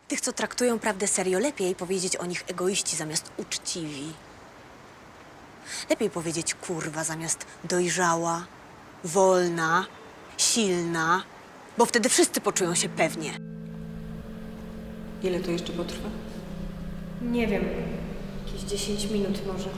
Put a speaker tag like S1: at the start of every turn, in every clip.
S1: Tych, co traktują prawdę serio, lepiej powiedzieć o nich egoiści zamiast uczciwi. Lepiej powiedzieć kurwa zamiast dojrzała, wolna, silna, bo wtedy wszyscy poczują się pewnie.
S2: Ile to jeszcze potrwa?
S3: Nie wiem. Jakieś 10 minut może.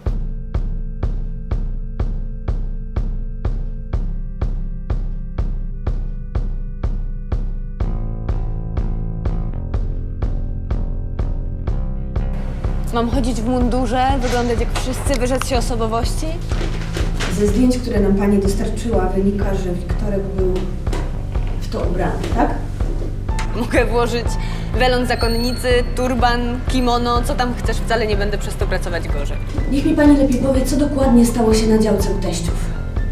S1: Mam chodzić w mundurze, wyglądać jak wszyscy, wyrzec się osobowości?
S3: Ze zdjęć, które nam pani dostarczyła, wynika, że Wiktorek był w to ubrany, tak?
S1: Mogę włożyć welon zakonnicy, turban, kimono, co tam chcesz, wcale nie będę przez to pracować gorzej.
S3: Niech mi pani lepiej powie, co dokładnie stało się na działce u teściów.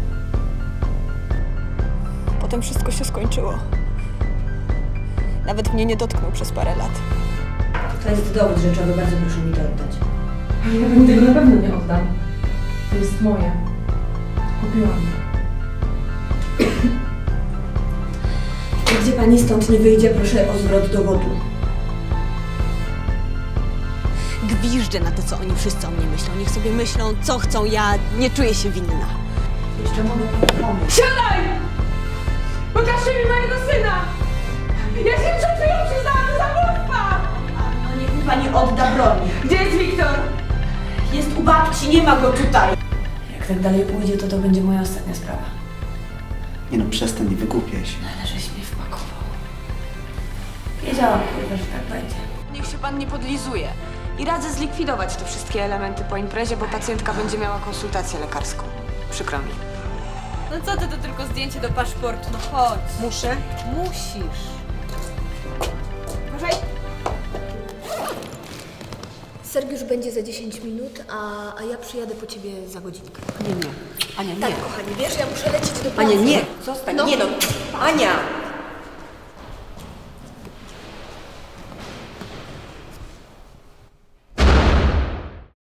S1: Potem wszystko się skończyło. Nawet mnie nie dotknął przez parę lat.
S3: To jest dowód rzeczowy, bardzo proszę mi to oddać.
S2: Ja pani tego na pewno nie oddam. To jest moje. Kupiłam.
S3: Gdzie pani stąd nie wyjdzie, proszę o zwrot dowodu.
S1: Gwiżdżę na to, co oni wszyscy o mnie myślą. Niech sobie myślą, co chcą, ja nie czuję się winna.
S3: Jeszcze mogę pani pomóc.
S2: Siadaj! Pokażcie mi mojego syna! Ja się przed chwilą przyznałam do zabójstwa!
S3: No niech mi pani odda broń.
S2: Gdzie jest Wiktor?
S3: Jest u babci, nie ma go tutaj. Jak tak dalej pójdzie, to będzie moja ostatnia sprawa.
S4: Nie no, przestań, nie wygłupiaj się.
S3: Ale żeś mnie wpakował. Wiedziałam, kurwa, że tak będzie.
S2: Niech się pan nie podlizuje. I radzę zlikwidować te wszystkie elementy po imprezie, bo pacjentka będzie miała konsultację lekarską. Przykro mi.
S1: No co ty, to tylko zdjęcie do paszportu, no chodź.
S2: Muszę?
S1: Musisz.
S2: Uważaj.
S3: Sergiusz będzie za 10 minut, a ja przyjadę po ciebie za godzinkę.
S2: Nie. Ania, nie.
S3: Tak, kochani, wiesz, ja muszę lecieć do pracy.
S2: Ania, nie. Zostań.
S3: No.
S2: Nie no. Ania!